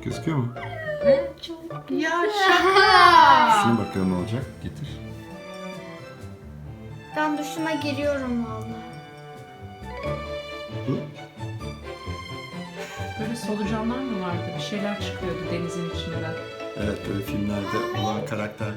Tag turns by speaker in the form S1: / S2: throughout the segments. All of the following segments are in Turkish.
S1: Gözüküyor mu?
S2: Ya şaka.
S1: Şuna bakalım ne olacak. Getir.
S3: Ben duşuma giriyorum vallahi.
S1: Hı?
S2: Böyle solucanlar mı vardı? Bir şeyler çıkıyordu denizin içinden.
S1: Evet, böyle filmlerde olan karakterler.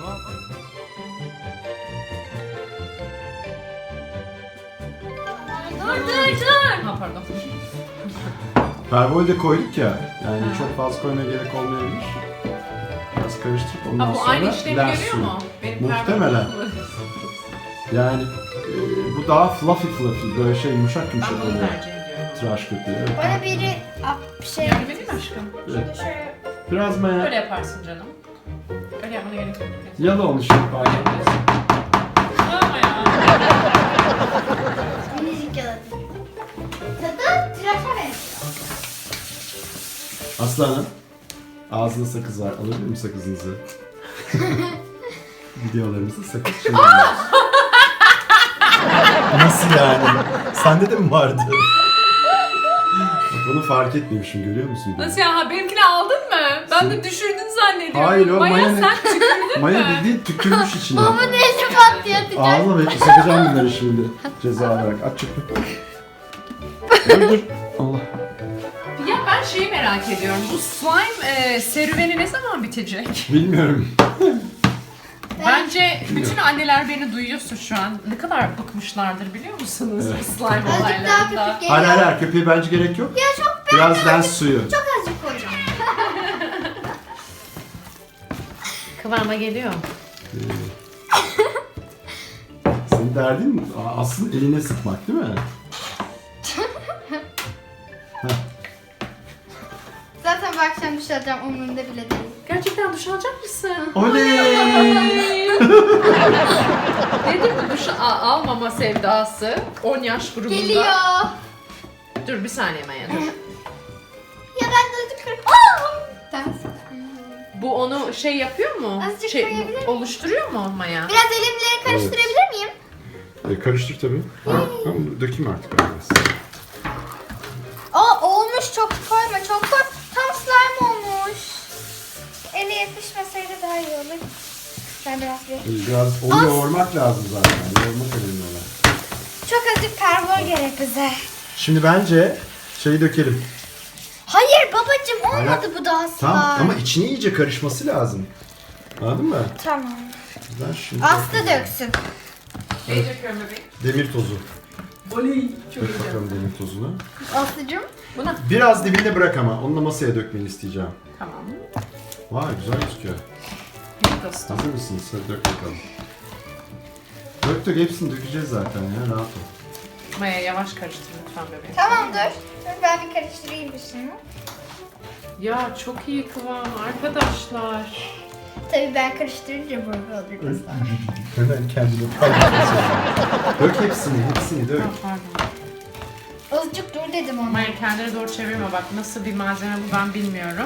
S3: Dur.
S2: Ha pardon.
S1: Pervol de koyduk ya. Yani çok fazla koymaya gerek olmayabilir. Biraz karıştırıp ondan
S2: Ha bu
S1: sonra
S2: aynı işlemi
S1: lens
S2: görüyor
S1: suyu.
S2: mu? Benim
S1: Muhtemelen. Yani bu daha fluffy böyle şey yumuşak
S2: Ben
S1: yumuşak
S2: bunu
S1: oluyor.
S2: tercih ediyorum.
S1: Tıraş köpüğü. Evet.
S3: Bana biri bir şey
S2: Yardım edeyim mi aşkım?
S1: Evet.
S3: şöyle
S1: Biraz maya.
S2: Öyle yaparsın canım. Öyle yapmana gerek yok.
S1: Yalı olmuş. Pardon.
S2: Ama ya.
S3: minicik yaladım. Tadı tıraşa benziyor.
S1: Aslanım. Ağzında sakız var. Alabilir miyim sakızınızı? Videolarımızda sakız çiğnemiyoruz. Nasıl yani? Sende de mi vardı? Bak onu fark etmemişim, görüyor musun?
S2: Nasıl ya? Ha, benimkini aldın mı? Ben de düşürdün zannediyorum.
S1: Hayır, o
S2: Maya
S1: Maya ne?
S2: sen tükürdün
S1: Maya
S2: mü?
S1: bildiğin tükürmüş içine.
S3: Babamın eli patlıyor atacak.
S1: Ağzına bekle, sakacağım bunları şimdi. Ceza olarak. Aç çöpü. Dur. Allah.
S2: Ya ben şeyi merak ediyorum. Bu slime serüveni ne zaman bitecek?
S1: Bilmiyorum.
S2: Bence bütün anneler beni duyuyorsa şu an ne kadar bıkmışlardır biliyor musunuz
S1: Evet.
S2: bu slime
S3: Azıcık daha
S2: olaylarında.
S3: köpük geliyor.
S1: Hayır hayır, köpeğe bence gerek yok.
S3: Ya çok
S1: Biraz lens suyu.
S3: çok azıcık koyacağım.
S2: Kıvama geliyor.
S1: Senin derdin aslında eline sıkmak değil mi?
S3: Zaten bu akşam duş alacağım umurumda bile değil.
S2: Gerçekten duş alacak mısın?
S1: Oley!
S2: Nedir bu duş almama sevdası? 10 yaş grubunda.
S3: Geliyor.
S2: Dur bir saniye Maya dur.
S3: Ya ben de azıcık kırıp... Tamam.
S2: Bu onu şey yapıyor mu?
S3: Azıcık
S2: Şey,
S3: koyabilir miyim?
S2: oluşturuyor mu Maya?
S3: Biraz elimleri karıştırabilir miyim?
S1: Karıştır tabii. Tamam, dökeyim artık biraz.
S3: Olmuş, çok koyma, çok koy. Tam slime olmuş. Ele yapışmasaydı daha iyi olur. Ben
S1: Biraz onu yoğurmak lazım zaten. Yoğurmak önemli olan.
S3: Çok azıcık karbon gerek bize.
S1: Şimdi bence şeyi dökelim.
S3: Hayır babacığım olmadı
S1: Hayır.
S3: bu daha slime.
S1: Tamam ama içine iyice karışması lazım. Anladın mı?
S3: Tamam.
S1: Ben şimdi
S3: Aslı döksün.
S2: Şey döküyorum bebeğim.
S1: demir tozu.
S2: Oley. Çok
S1: Dök
S2: iyi.
S1: bakalım demir tozunu.
S3: Aslıcığım.
S2: Buna.
S1: Biraz dibinde bırak ama. Onu da masaya dökmeni isteyeceğim.
S2: Tamam.
S1: Vay güzel gözüküyor.
S2: Bir dostum.
S1: Hazır mısınız? Hadi dök bakalım. Dök hepsini dökeceğiz zaten ya, rahat ol.
S2: Maya yavaş karıştır lütfen bebeğim.
S3: Tamam dur. Dur ben bir karıştırayım bir şunu.
S2: Ya çok iyi kıvam arkadaşlar.
S3: Tabii ben karıştırınca böyle olur mesela.
S1: Hemen kendine paylaşmasın. Dök hepsini dök.
S2: Ha, pardon.
S3: Azıcık dur dedim ona.
S2: Maya kendine doğru çevirme bak nasıl bir malzeme bu ben bilmiyorum.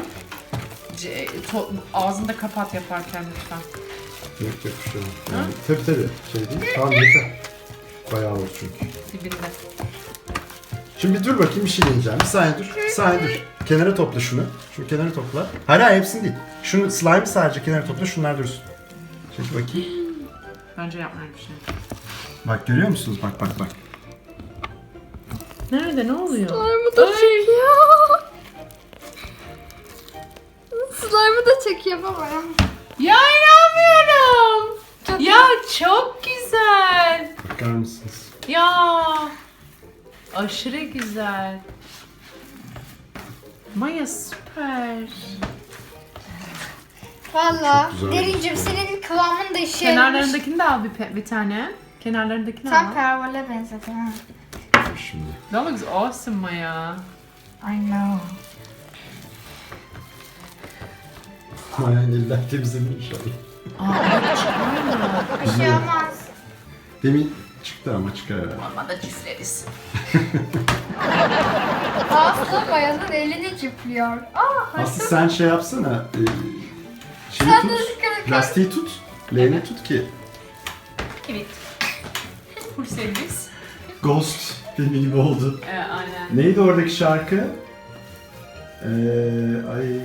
S2: Ağzını da kapat yaparken lütfen.
S1: Dök bir şey. Yani, tabii. Şey değil. Tamam yeter. Bayağı olur çünkü.
S2: Dibinde.
S1: Şimdi dur bakayım, bir şey deneyeceğim. Bir saniye dur. Bir saniye dur. Kenara topla şunu. Şunu kenara topla. Hayır hepsini değil. Şunu slime'ı sadece kenara topla. Şunlar dursun. Çek bakayım.
S2: Bence yapmayın bir şey.
S1: Bak görüyor musunuz? Bak.
S2: Nerede ne oluyor?
S3: Slime'ı da çekiyor. Slime'ı da çekiyor baba.
S2: Ya inanmıyorum. Ya çok güzel.
S1: Bakar mısınız?
S2: Ya aşırı güzel. Maya süper.
S3: Valla.
S1: Güzel.
S3: Derincim senin kıvamın da işe
S2: Kenarlarındakini de al bir tane. Kenarlarındakini
S3: Tam
S2: al.
S3: pervola benzedi ha.
S1: Şimdi.
S2: That looks awesome Maya.
S3: I know.
S1: Mayan eller temizlenir inşallah.
S2: Aa, çıkar
S3: Bir şey olmaz.
S1: Demin çıktı ama çıkar herhalde.
S2: Mama da çizleriz.
S3: Aslı Maya'nın elini cipliyor.
S1: Aslı sen şey yapsana. Şeyi
S3: Sen
S1: tut.
S3: de dikkat et.
S1: Lastiği tut. Leğeni tut ki.
S2: Evet. Full servis.
S1: Ghost filmi gibi oldu.
S2: Aynen.
S1: Neydi oradaki şarkı? Ay.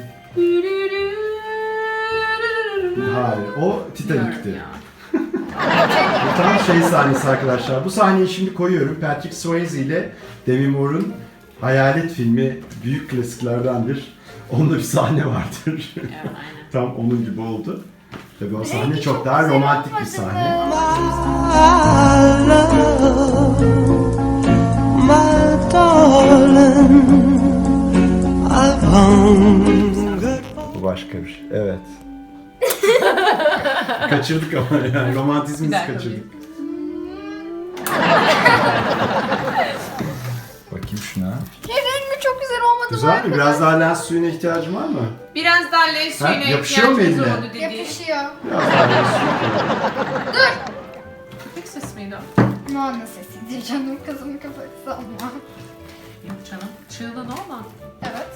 S1: Hayır, o Titanic'ti.
S2: Ya.
S1: Bu tam şey sahnesi arkadaşlar. Bu sahneyi şimdi koyuyorum. Patrick Swayze ile Demi Moore'un Hayalet filmi büyük klasiklerdendir. Onda bir sahne vardır.
S2: Evet, aynen.
S1: Tam onun gibi oldu. Tabii o sahne
S3: Rengi
S1: çok
S3: çok
S1: daha
S3: güzel
S1: romantik bir
S3: olmadı
S1: sahne.
S3: mı?
S4: My darling, I've hungered.
S1: Bu başka bir şey. Evet. Kaçırdık ama yani
S2: Bir
S1: romantizmimizi
S2: dakika,
S1: kaçırdık. Bakayım şuna.
S3: Rengi çok güzel olmadı mı?
S1: Güzel mi? Biraz daha lens suyuna ihtiyacın var mı?
S2: Biraz daha leş suyuna
S1: yapışıyor mu
S2: ihtiyacımız
S1: eline?
S2: oldu dedi.
S3: Yapışıyor.
S1: Biraz daha lens suyu.
S2: Köpek sesi miydi o?
S3: Noah'nın sesiydi canım, kızımın kafası ama.
S2: Yok canım. Çığlığı ne olma?
S3: Evet.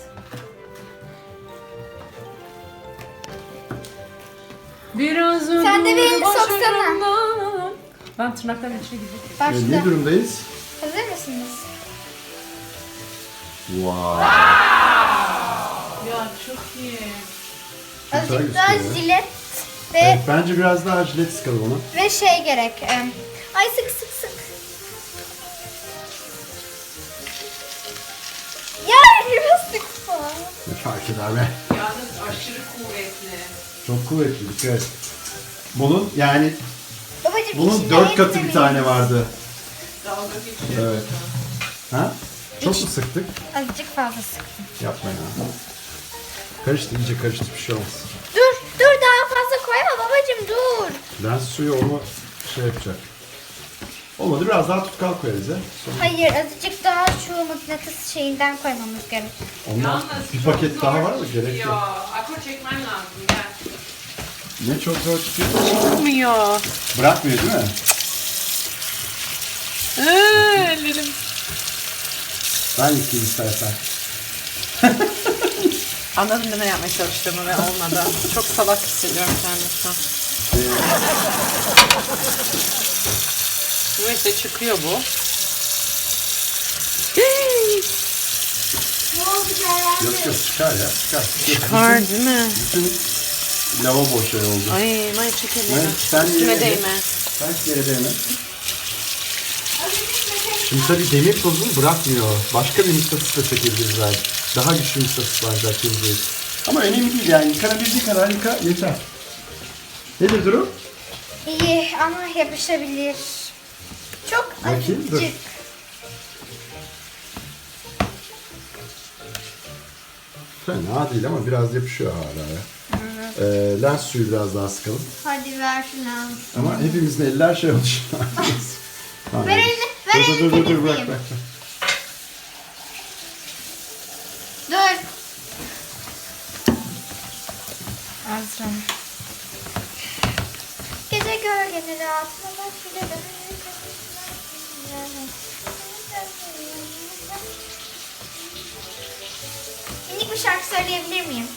S2: Biraz
S3: Sen de bir elini
S2: başarımdan.
S3: soksana.
S2: Ben tırnaklarımın içine girdim.
S3: Başla.
S1: Ne durumdayız?
S3: Hazır mısınız?
S1: Wow.
S2: Ya çok iyi.
S3: Azıcık daha
S1: gözüküyor ya.
S3: jilet ve
S1: Evet, bence biraz daha jilet sıkalım ona.
S3: ve şey gerek. Ay sık sık sık. Ya biraz sıkma.
S1: Ne fark eder be?
S2: Yalnız aşırı kuvvetli.
S1: Çok kuvvetli, dikkat et. Bunun yani
S3: Babacım
S1: bunun
S3: içinde
S1: 4 katı
S3: hepsi
S1: bir tane
S3: mi?
S1: vardı.
S2: Dalga geçiyor.
S1: Evet. Ha? Çok mu sıktık?
S3: Azıcık fazla sıktım.
S1: Yapma ya. Karıştı, iyice karıştı, bir şey olmaz.
S3: Dur daha fazla koyma babacım dur.
S1: Lens suyu onu şey yapacak. Olmadı, biraz daha tutkal koyarız ya. Sonra
S3: Hayır azıcık daha şu mıknatıs şeyinden koymamız gerek.
S1: ondan
S2: Yalnız
S1: bir
S2: çok
S1: paket
S2: zor
S1: daha var mı? Gerek
S2: çıkıyor.
S1: yok.
S2: Akor çekmen lazım gel.
S1: Ne çok zor çıkıyor.
S2: Çıkmıyor.
S1: Bırakmıyor değil mi?
S2: Ellerim.
S1: Ben yıkayayım istersen.
S2: Anladın mı ne yapmaya çalıştığımı ve olmadı. Çok salak hissediyorum kendimi şu an. Neyse çıkıyor bu.
S3: Ne oldu Ceren?
S1: Yok yok, çıkar ya, çıkar.
S2: Çıkar değil mi?
S1: Bütün lavabo şey oldu.
S2: Ay may çekelim.
S1: Evet, sen
S2: Üstüme
S1: yere-
S2: değme.
S1: Ben yere değme. Şimdi tabii demir tozunu bırakmıyor. Başka bir mıknatısla çekebiliriz belki. Daha güçlü mıknatıslar belki. Ama önemli değil yani. Yıkanabildiği kadar yıka yeter. Nedir durum?
S3: İyi ama yapışabilir. Çok
S1: Bakayım, dur.
S3: azıcık.
S1: Fena değil ama biraz yapışıyor hala ya. Lens suyu biraz daha sıkalım.
S3: Hadi ver şunu.
S1: Ama hepimizin eller şey oldu şu an. Tamam.
S3: Ver elini, ver elini
S1: Dur bırak
S3: temizleyeyim.
S1: bırak.
S3: Dur. Azra. Gece gölgeni rahatına bak bir de minik bir şarkı söyleyebilir miyim?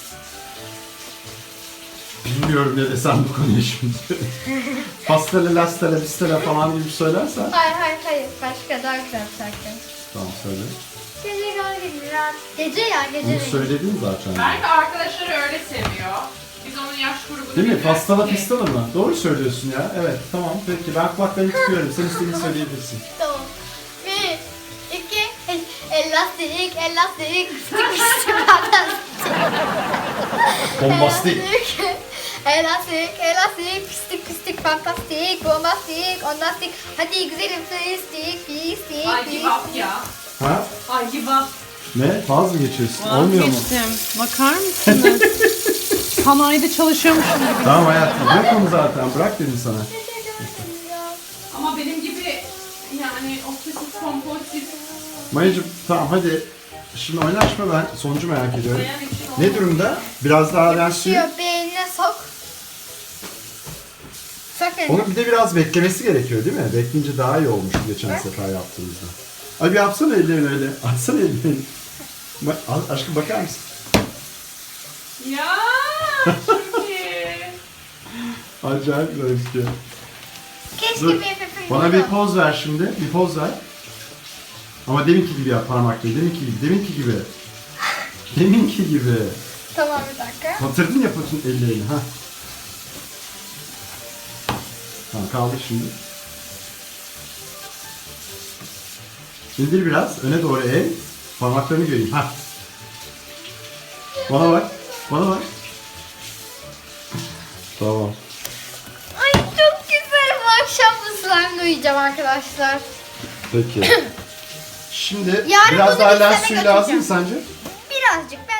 S1: Bilmiyorum ne desem bu konuya şimdi. Pastele, lastele, bistele falan gibi söylersen.
S3: Hayır. Başka daha güzel bir şarkı.
S1: Tamam söyle.
S3: Gece gölgeni rahat. Gece ya gece.
S1: Bunu söyledin zaten.
S2: Belki arkadaşları öyle seviyor. Biz onun yaş grubunu
S1: Değil mi?
S2: bilmiyoruz
S1: Pastala
S2: ki.
S1: pistala mı? Doğru söylüyorsun ya. Evet tamam peki ben kulaklarını tutuyorum. Sen istediğini söyleyebilirsin.
S3: Tamam. Bir, iki, elastik, elastik,
S1: Bombastik.
S3: Elastik, pistik, fantastik, bombastik, ondastik. Hadi güzelim, pistik,
S2: Ay give up ya.
S1: Ha?
S2: Ay give up.
S1: Ne? Faz mı geçiyorsun? Olmuyor mu?
S2: Vazgeçtim. Bakar mısınız? Sanayide çalışıyormuşum gibi.
S1: Tamam hayatım. Bırak onu zaten. Bırak dedim sana.
S2: Ama benim gibi yani obsesif kompulsif
S1: Mayacım tamam hadi. Şimdi oynaşma ben sonucu merak ediyorum.
S2: dayan için
S1: Ne durumda? Biraz daha lens suyu.
S3: Yapışıyor, beynine sok. Sok elini.
S1: Onun bir de biraz beklemesi gerekiyor değil mi? Bekleyince daha iyi olmuş geçen sefer yaptığımızda. Ay bir yapsana ellerini öyle. Açsana ellerini. Aşkım bakar mısın?
S2: Ya çok iyi.
S1: Acayip güzel gözüküyor.
S3: Keşke
S1: Dur.
S3: bir efendim.
S1: Bana bir poz ver şimdi. Bir poz ver. Ama deminki gibi yap parmakla. Deminki gibi. Deminki gibi.
S3: Tamam bir dakika.
S1: Batırdın ya patın ellerini. Ha. Tamam kaldır şimdi. İndir biraz. Öne doğru eğ. Parmaklarını göreyim. Ha. Bana bak. Bana bak. Tamam.
S3: Ay çok güzel. Bu akşam bu slime uyuyacağım arkadaşlar.
S1: Peki. Şimdi
S3: Yarın
S1: biraz
S3: bunu
S1: daha
S3: bir
S1: lens
S3: sene
S1: suyu lazım mı
S3: götüreceğim.
S1: sence?
S3: Birazcık. Ben